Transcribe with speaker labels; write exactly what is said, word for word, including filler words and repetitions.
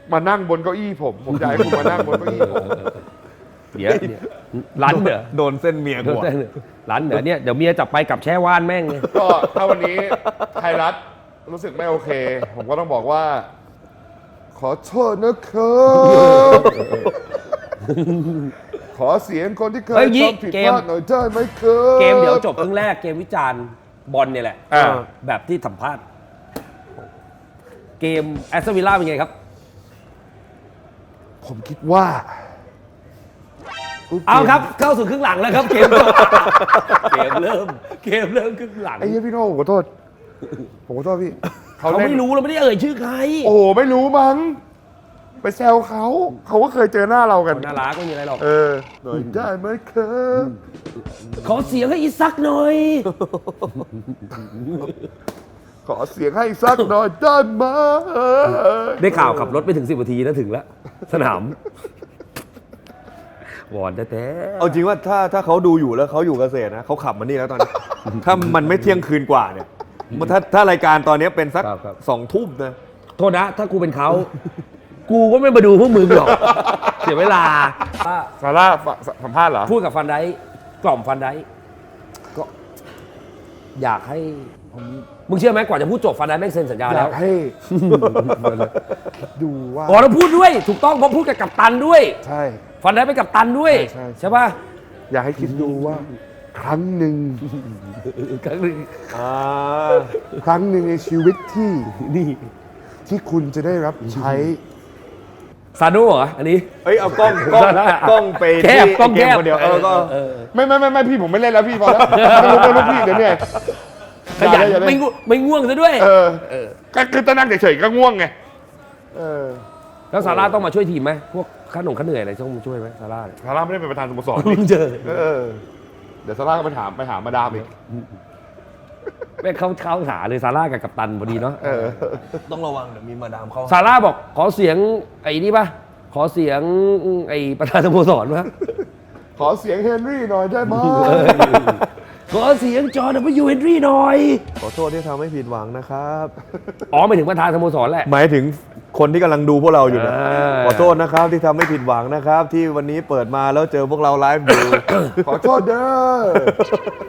Speaker 1: มานั่งบนเก้าอี้ผมผมอยากให้คุณมานั่งบนเก้าอี้ผม
Speaker 2: เดี๋ยวร้านเหนือ
Speaker 3: โดนเส้นเมียกู
Speaker 2: ร้านเหนือเนี่ยเดี๋ยวเมียจับไปกับแช่ว่านแม่งเลย
Speaker 1: ก็ถ้าวันนี้ไทยรัฐรู้สึกไม่โอเคผมก็ต้องบอกว่าขอโทษนะครับขอเสียงคนที่เคยทำผิดพลาดหน่อยได้ไหมครับ
Speaker 2: เกมเดี๋ยวจบครึ่งแรกเกมวิจารณ์บอลเนี่ยแหละแบบที่สัมภาษณ์เกมแอสตันวิลล่าเป็นไงครับ
Speaker 1: ผมคิดว่า
Speaker 2: เอาครับเข้าสู่ครึ่งหลังแล้วครับเกมเกมเริ่มเกมเริ่มครึ่งหลัง
Speaker 1: ไอ้ยี่พี่โน่ขอโทษผมขอโทษพี่
Speaker 2: เขาไม่รู้เราไม่ได้เอ่ยชื่อใคร
Speaker 1: โอ้โหไม่รู้มั้งไปแซวเขาเขาก็เคยเจอหน้าเรากัน
Speaker 2: น่ารักไม่มีอะไรหรอก
Speaker 1: เออหน่อยได้ไหมครับ
Speaker 2: ขอเสียงให้อีซักหน่อย
Speaker 1: ขอเสียงให้ซักหน่อยได้ไหม
Speaker 2: ได้ข่าวขับรถไปถึงสิบนาทีนะถึงแล้วสนามวอนแท้
Speaker 3: ๆเอาจริงว่าถ้าถ้าเขาดูอยู่แล้วเขาอยู่เกษตรนะเขาขับมานี่แล้วตอนนี้ถ้ามันไม่เที่ยงคืนกว่าเนี่ยถ้าถ้ารายการตอนนี้เป็นสักสองทุ่มนะ
Speaker 2: โทษนะถ้ากูเป็นเขากูก็ไม่มาดูพวกมึงหรอกเสียเวลา
Speaker 1: ซาร่าสัมภาษณ์เหรอ
Speaker 2: พูดกับฟันไดกล่อมฟันไดก็อยากให้มึงเชื่อไหมกว่าจะพูดจบฟันไดแม่งเซ็นสัญญาแล้ว
Speaker 1: อยากให้ดูว่า
Speaker 2: อ๋อเราพูดด้วยถูกต้องเพราะพูดกับกัปตันด้วย
Speaker 1: ใช่
Speaker 2: ฟันไดเป็นกัปตันด้วยใช่ป่ะ
Speaker 1: อยากให้คิดดูว่าครั้งหนึ่ง
Speaker 2: ครั้งหนึ่ง
Speaker 1: ครั้งหนึ่งในชีวิตที่นี่ที่คุณจะได้รับใช้
Speaker 2: ซาโน่เหรออันนี้
Speaker 3: เฮ้ยเอากล้องกล้องกล้องไป
Speaker 2: แคบกล้องแคบ
Speaker 3: คนเดียวเออก็
Speaker 1: ไม่ไม่ไม่ไม่พี่ผมไม่เล่นแล้วพี่พอแล้วไม่รู้ไม่รู้พี่เดี๋ยวเนี่ย
Speaker 2: ขยันไม่ไม่ง่วงซะด้วย
Speaker 1: เออก็คือตอนนั่งเฉยๆก็ง่วงไงเออ
Speaker 2: แล้วซาร่าต้องมาช่วยทีมไหมพวกข้าหนุ่มข้าเหนื่อยอะไรต้องมาช่วยไหมซาร่า
Speaker 1: ซาร่าไม่ได้เป็นประธานสโมสร
Speaker 2: เจอ
Speaker 1: เออเดี๋ยวซาร่าก็ไปถามไปหามาดามอีก
Speaker 2: ไม่เข้าเข้าหาเลยซาร่ากับกัปตันพอดีเนาะ
Speaker 3: ต้องระวังเดี๋ยวมีมาดามเขา
Speaker 2: ซาร่าบอกขอเสียงไอ้นี่ป่ะขอเสียงไอ้ประธานสโมสรป่ะ
Speaker 1: ขอเสียงเฮนรี่หน่อยได้ไหม
Speaker 2: ขอเสียงจอห์น ดับเบิลยู เฮนรี่หน่อย
Speaker 3: ขอโทษที่ทำให้ผิดหวังนะครับ
Speaker 2: อ๋อหมายถึงประธานสโมสรแหละ
Speaker 3: หมายถึงคนที่กำลังดูพวกเราอยู่นะขอโทษนะครับที่ทำให้ผิดหวังนะครับที่วันนี้เปิดมาแล้วเจอพวกเราไลฟ์อยู่
Speaker 1: ขอโทษเด้อ